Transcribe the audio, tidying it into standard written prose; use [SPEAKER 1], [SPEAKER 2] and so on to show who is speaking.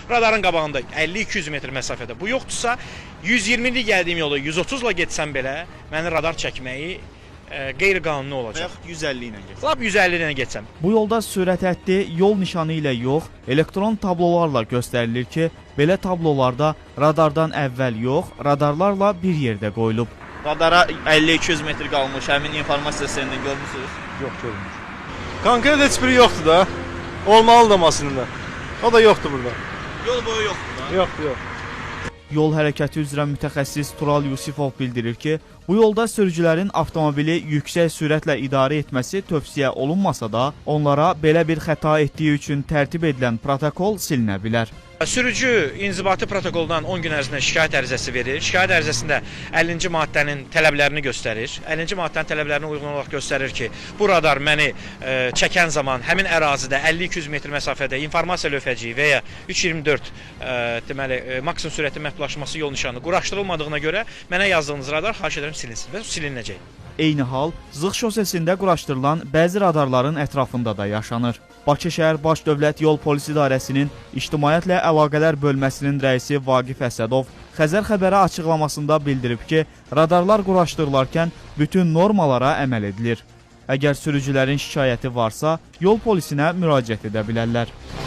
[SPEAKER 1] radarın qabağında 50-200 metr məsafədə bu yoxdursa, 120-li gəldiyim yolu 130-la getsəm belə, məni radar çəkməyi qeyri-qanuni olacaq.
[SPEAKER 2] Və yaxud 150 ilə getsəm.
[SPEAKER 1] Lap 150 ilə getsəm.
[SPEAKER 3] Bu yolda sürət həddi yol nişanı ilə yox, elektron tablolarla göstərilir ki, belə tablolarda radardan əvvəl yox, radarlarla bir yerdə qoyulub.
[SPEAKER 2] Radara 50-200 metr qalmış, həmin informasiya səndən görmüsünüz?
[SPEAKER 4] Yox, görmür. Konkret heç biri yoxdur da. Olmalı da maşında. O da yoxdur burada.
[SPEAKER 2] Yol boyu yoxdur da?
[SPEAKER 4] Yox, yox.
[SPEAKER 3] Yol hərəkəti üzrə mütəxəssis Tural Yusifov bildirir ki, bu yolda sürücülərin avtomobili yüksək sürətlə idarə etməsi tövsiyə olunmasa da, onlara belə bir xəta etdiyi üçün tərtib edilən protokol silinə bilər.
[SPEAKER 1] Sürücü inzibati protokoldan 10 gün ərzində şikayət ərizəsi verir. Şikayət ərizəsində 50-ci maddənin tələblərini göstərir. 50-ci maddənin tələblərinə uyğun olaraq göstərir ki, bu radar məni çəkən zaman həmin ərazidə 50-200 metr məsafədə informasiya lövhəciyi və ya 324 deməli maksimum sürətin məhdudlaşması yol nişanı quraşdırılmadığına görə mənə yazdığınız radar xahiş edirəm silinsin və silinəcək.
[SPEAKER 3] Eyni hal Zığ şosesində quraşdırılan bəzi radarların ətrafında da yaşanır. Bakı şəhər Baş Dövlət Yol Polis İdarəsinin İctimaiyyətlə Əlaqələr bölməsinin rəisi Vaqif Əsədov Xəzər xəbəri açıqlamasında bildirib ki, radarlar quraşdırılarkən bütün normalara əməl edilir. Əgər sürücülərin şikayəti varsa, yol polisinə müraciət edə bilərlər.